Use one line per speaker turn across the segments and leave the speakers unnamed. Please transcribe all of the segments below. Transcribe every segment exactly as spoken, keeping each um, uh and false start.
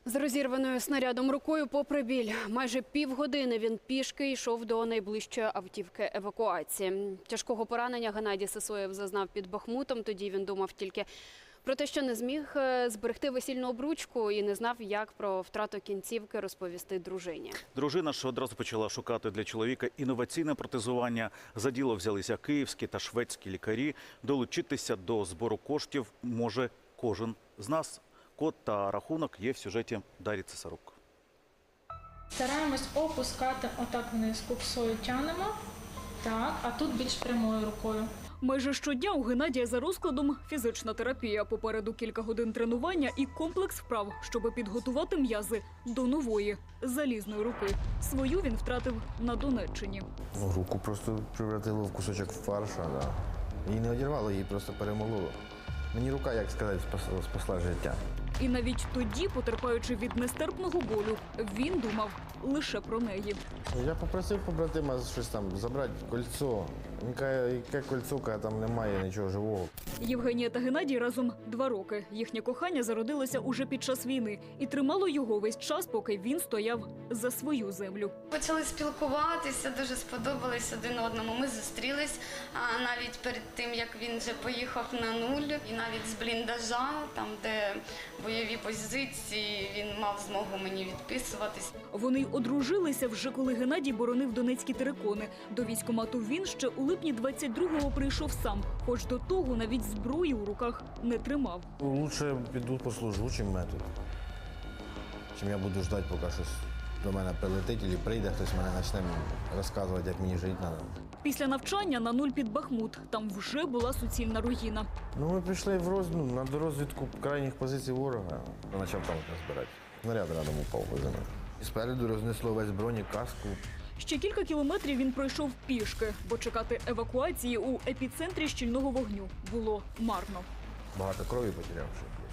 З розірваною снарядом рукою попри біль. Майже півгодини він пішки йшов до найближчої автівки евакуації. Тяжкого поранення Геннадій Сисоєв зазнав під Бахмутом. Тоді він думав тільки про те, що не зміг зберегти весільну обручку і не знав, як про втрату кінцівки розповісти дружині.
Дружина ж одразу почала шукати для чоловіка інноваційне протезування. За діло взялися київські та шведські лікарі. Долучитися до збору коштів може кожен з нас. Код та рахунок є в сюжеті Дар'ї Цесарук.
Стараємось опускати отак вниз, куксою тянемо, так, а тут більш прямою рукою.
Майже щодня у Геннадія за розкладом фізична терапія. Попереду кілька годин тренування і комплекс вправ, щоб підготувати м'язи до нової залізної руки. Свою він втратив на Донеччині.
Руку просто превратило в кусочок фарша. Да. Її не одірвало, її просто перемололо. Мені рука, як сказати, спасла, спасла життя.
І навіть тоді, потерпаючи від нестерпного болю, він думав лише про неї.
Я попросив побратима щось там забрати кольцо. Він каже, яке кольцо, каже, там немає нічого живого.
Євгенія та Геннадій разом два роки. Їхнє кохання зародилося уже під час війни і тримало його весь час, поки він стояв за свою землю.
Почали спілкуватися, дуже сподобались один одному. Ми зустрілись а навіть перед тим, як він вже поїхав на нуль. І навіть з бліндажа, там де бойові позиції, він мав змогу мені відписуватись.
Вони й одружилися вже коли Геннадій боронив донецькі терикони. До військкомату він ще у липні двадцять другого прийшов сам, хоч до того навіть зброї у руках не тримав.
Лучше піду послужу, чим метод. Чим я буду ждати, поки щось до мене прилетить, або прийде, хтось мене почне розказувати, як мені жити треба.
Після навчання на нуль під Бахмут. Там вже була суцільна руїна.
Ну, ми прийшли в роз... ну, на дорозвідку крайніх позицій ворога. Почав танк розбирати. Снаряд рядом упав по землі. І спереду рознесло весь бронік, каску.
Ще кілька кілометрів він пройшов пішки, бо чекати евакуації у епіцентрі щільного вогню було марно.
Багато крові потеряв ще плюс.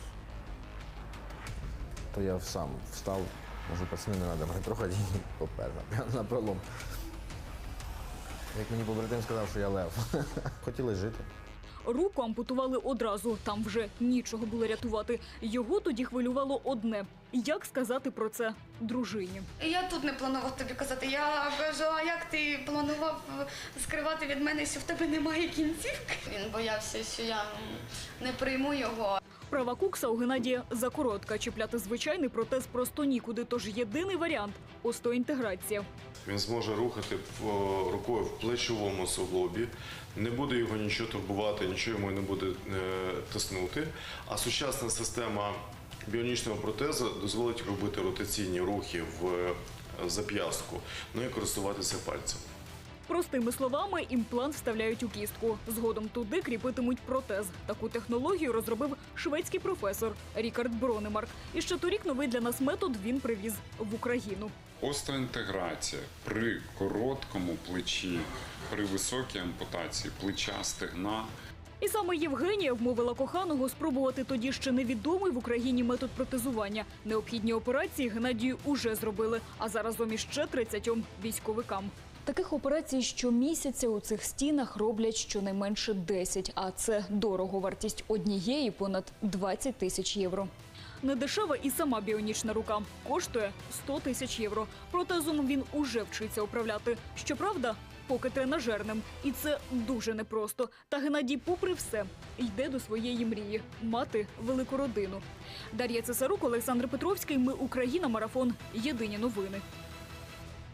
То я сам встав, можу, пацани, не треба мене трохи попер, прямо на пролом. Як мені побратим сказав, що я лев. Хотіли жити.
Руку ампутували одразу, там вже нічого було рятувати. Його тоді хвилювало одне – як сказати про це дружині.
Я тут не планував тобі казати. Я кажу, а як ти планував скривати від мене, що в тебе немає кінцівки? Він боявся, що я не прийму його.
Права кукса у Геннадія закоротка. Чіпляти звичайний протез просто нікуди, тож єдиний варіант – остеоінтеграція.
Він зможе рухати рукою в плечовому суглобі, не буде його нічого турбувати, нічого йому не буде тиснути. А сучасна система біонічного протезу дозволить робити ротаційні рухи в зап'ястку, ну і користуватися пальцем.
Простими словами, імплант вставляють у кістку. Згодом туди кріпитимуть протез. Таку технологію розробив шведський професор Рікард Бронемарк. І ще торік новий для нас метод він привіз в Україну.
Остеоінтеграція при короткому плечі, при високій ампутації плеча, стегна.
І саме Євгенія вмовила коханого спробувати тоді ще невідомий в Україні метод протезування. Необхідні операції Геннадію уже зробили, а заразом іще тридцятьом військовикам. Таких операцій щомісяця у цих стінах роблять щонайменше десять, а це дорого. Вартість однієї понад двадцять тисяч євро. Недешева і сама біонічна рука. Коштує сто тисяч євро. Протезом він уже вчиться управляти. Щоправда, поки тренажерним. І це дуже непросто. Та Геннадій, попри все, йде до своєї мрії – мати велику родину. Дар'я Цесарук, Олександр Петровський. Ми Україна. Марафон. Єдині новини.